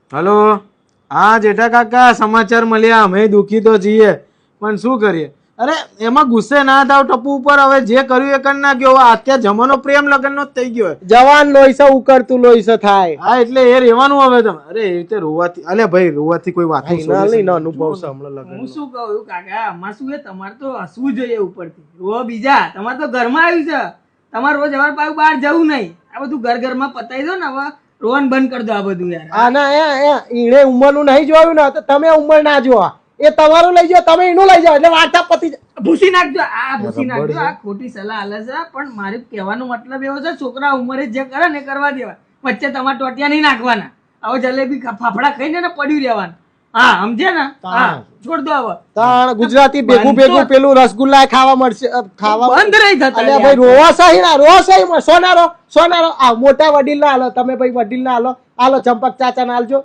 Hello, હા જેઠા કાકા, સમાચાર મળ્યા. અમે દુઃખી તો છીએ, પણ શું કરીએ. અરે એમાં ગુસ્સે ના થાવ ટપુ ઉપર. હવે જે કર્યું એ કરી નાખ્યો. હવે અત્યારે જમાનો પ્રેમ લગ્ન નો જ થઈ ગયો. જવાન લોહી છે, ઉકળતું લોહી છે થાય. હા એટલે એ રહેવાનું હવે તમે. અરે એ રીતે રોવાથી, અલે ભાઈ રોવાથી કોઈ વાત અનુભવ છે હમણાં લગ્ન. હું શું કહું કાકા, આમાં શું છે, તમારે તો હસવું જોઈએ ઉપરથી. રો બીજા, તમારે તો ઘરમાં આવ્યું છે. તમારે રોજ હવાર પાછું બહાર જવું નહીં. આ બધું ઘરમાં પતાવી દો ને. હવે રોવાનું બંધ કરી દો આ બધું યાર. આના ઈને ઉંમરનું નહીં જોયું ને તો તમે ઉંમર ના જોવા. એ તમારું લઈ જાઓ, તમે એનું લઈ જાઓ, એટલે વાર્તા પતી જાય. ભૂસી નાખજો, આ ભૂસી નાખજો. આ ખોટી સલાહ આલે છે, પણ મારે કહેવાનો મતલબ એવો છે, છોકરા ઉંમરે જે કરે ને કરવા દેવા. વચ્ચે તમારે ટોટિયા નહીં નાખવાના. હવે જલેબી ફાફડા ખાઈને ને પડ્યું રહેવાનું. હા સમજે ને? હા છોડ દો હવે. તાણ ગુજરાતી ભેગું ભેગું પેલું રસગુલ્લા ખાવા મળશે. ખાવા બંધ રહી થતા. અલ્યા ભાઈ રોવા સહી ના, રો સહી સોનારો સોનારો. આ મોટા વડીલ ના હાલો, તમે ભાઈ વડીલ ના હાલો, હાલો ચંપક ચાચા ના હાલજો.